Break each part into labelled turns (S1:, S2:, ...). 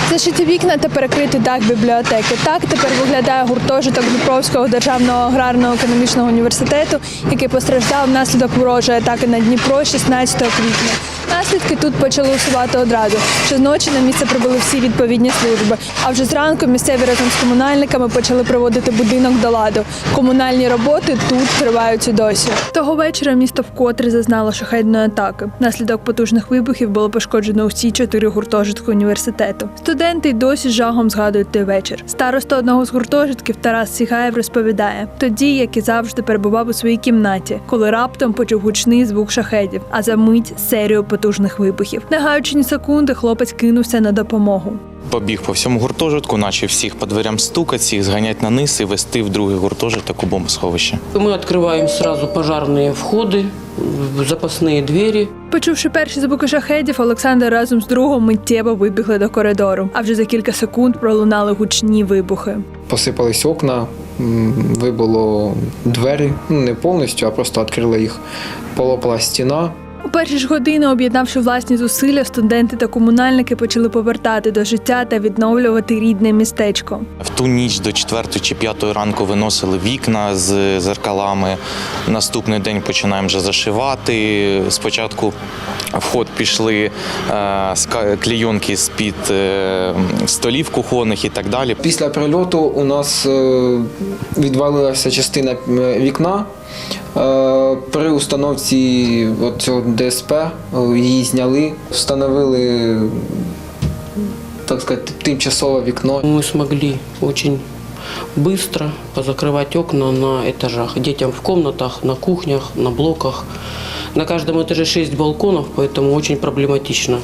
S1: Зашиті вікна та перекритий дах бібліотеки. Так тепер виглядає гуртожиток Дніпровського державного аграрно-економічного університету, який постраждав внаслідок ворожої атаки на Дніпро 16 квітня. Наслідки тут почали усувати одразу. Щоночі на місце прибули всі відповідні служби. А вже зранку місцеві разом з комунальниками почали приводити будинок до ладу. Комунальні роботи тут тривають і досі. Того вечора місто вкотре зазнало шахедної атаки. Внаслідок потужних вибухів було пошкоджено усі 4 гуртожитки університету. Студенти й досі з жахом згадують той вечір. Староста одного з гуртожитків Тарас Сігаєв розповідає, тоді, як і завжди, перебував у своїй кімнаті, коли раптом почув гучний звук шахедів, а за мить серію потужних вибухів. Не гаючи ні секунди, хлопець кинувся на допомогу.
S2: Побіг по всьому гуртожитку, почав всіх по дверям стукати, всіх зганяти на низ і вести в другий гуртожиток у бомбосховище.
S3: Мы открываем сразу пожарные входы, запасные двери.
S1: Почувши перші звуки шахедів, Олександр разом з другом миттєво вибігли до коридору. А вже за кілька секунд пролунали гучні вибухи.
S4: Посипались окна, вибило двері, не повністю, а просто відкрили їх. Полопала стіна.
S1: У перші ж години, об'єднавши власні зусилля, студенти та комунальники почали повертати до життя та відновлювати рідне містечко.
S2: В ту ніч до 4 чи 5 ранку виносили вікна з зеркалами. Наступний день починаємо вже зашивати. Спочатку в ход пішли клейонки з-під столів кухонних і так далі.
S4: Після прильоту у нас відвалилася частина вікна. При установці цього ДСП її зняли, встановили, так сказати, тимчасове вікно.
S3: Мы смогли очень быстро позакрывать окна на этажах. Детям в комнатах, на кухнях, на блоках. На каждом этаже 6 балконов, поэтому очень проблематично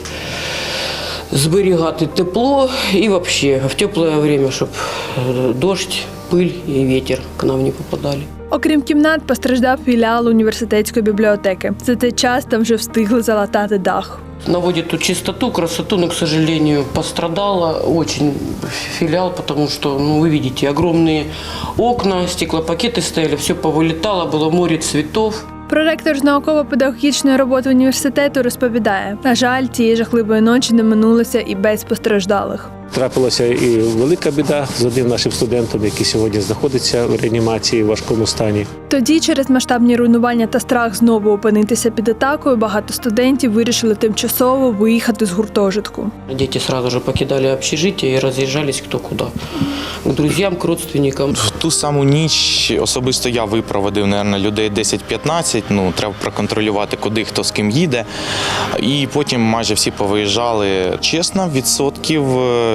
S3: зберігати тепло и вообще в теплое время, чтобы дождь, пыль и ветер к нам не попадали.
S1: Окрім кімнат, постраждав філіал університетської бібліотеки. За цей час там вже встигли залатати дах.
S3: Наводит тут чистоту, красоту, но, к сожалению, пострадало очень филиал, потому что, вы видите, огромные окна, стеклопакеты стояли, все повылетало, было море цветов.
S1: Проректор з науково-педагогічної роботи університету розповідає, на жаль, цієї жахливої ночі не минулося і без постраждалих.
S5: Трапилася і велика біда з одним нашим студентом, який сьогодні знаходиться у реанімації в важкому стані.
S1: Тоді через масштабні руйнування та страх знову опинитися під атакою, багато студентів вирішили тимчасово виїхати з гуртожитку.
S3: Дети сразу же покидали общежитие и разъезжались кто куда. К друзьям, к родственникам.
S2: В ту саму ніч особисто я випроводив, мабуть, людей 10-15, треба проконтролювати, куди хто з ким їде. І потім майже всі повиїжджали. Чесно, відсотків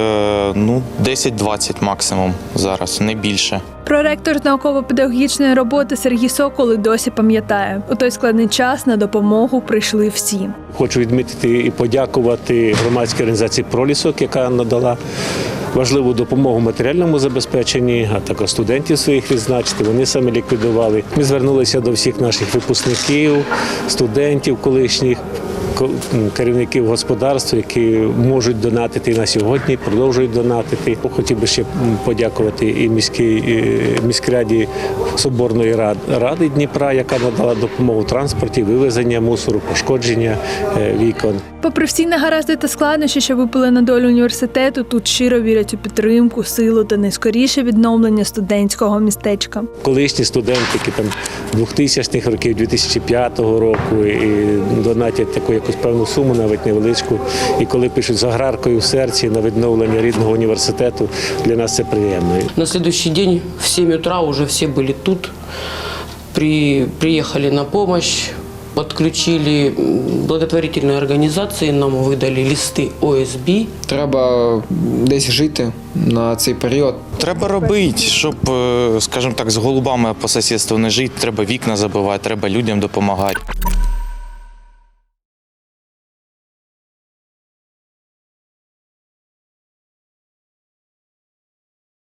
S2: 10-20 максимум зараз, не більше.
S1: Проректор з науково-педагогічної роботи Сергій Сокол і досі пам'ятає, у той складний час на допомогу прийшли всі.
S5: Хочу відмітити і подякувати громадській організації «Пролісок», яка надала важливу допомогу в матеріальному забезпеченні, а також студентів своїх відзначити. Вони самі ліквідували. Ми звернулися до всіх наших випускників, студентів колишніх, керівників господарств, які можуть донатити на сьогодні, продовжують донатити. Хотів би ще подякувати і міськраді Соборної ради Дніпра, яка надала допомогу в транспорті, вивезення мусору, пошкодження вікон.
S1: Попри всі негаразди та складнощі, що випали на долю університету, тут щиро вірять у підтримку, силу та найскоріше відновлення студентського містечка.
S5: Колишні студенти, які там 2000-х років, 2005 року, і донатять таку якусь певну суму, навіть невеличку. І коли пишуть з аграркою в серці на відновлення рідного університету, для нас це приємно.
S3: На следующий день в 7 утра уже все были тут, приехали на помощь. Подключили благотворительные организации, нам видали листи ОСБ.
S4: Треба десь жити на цей період.
S2: Треба робити, щоб, скажімо так, з голубами по сусідству не жити, треба вікна забивати, треба людям допомагати.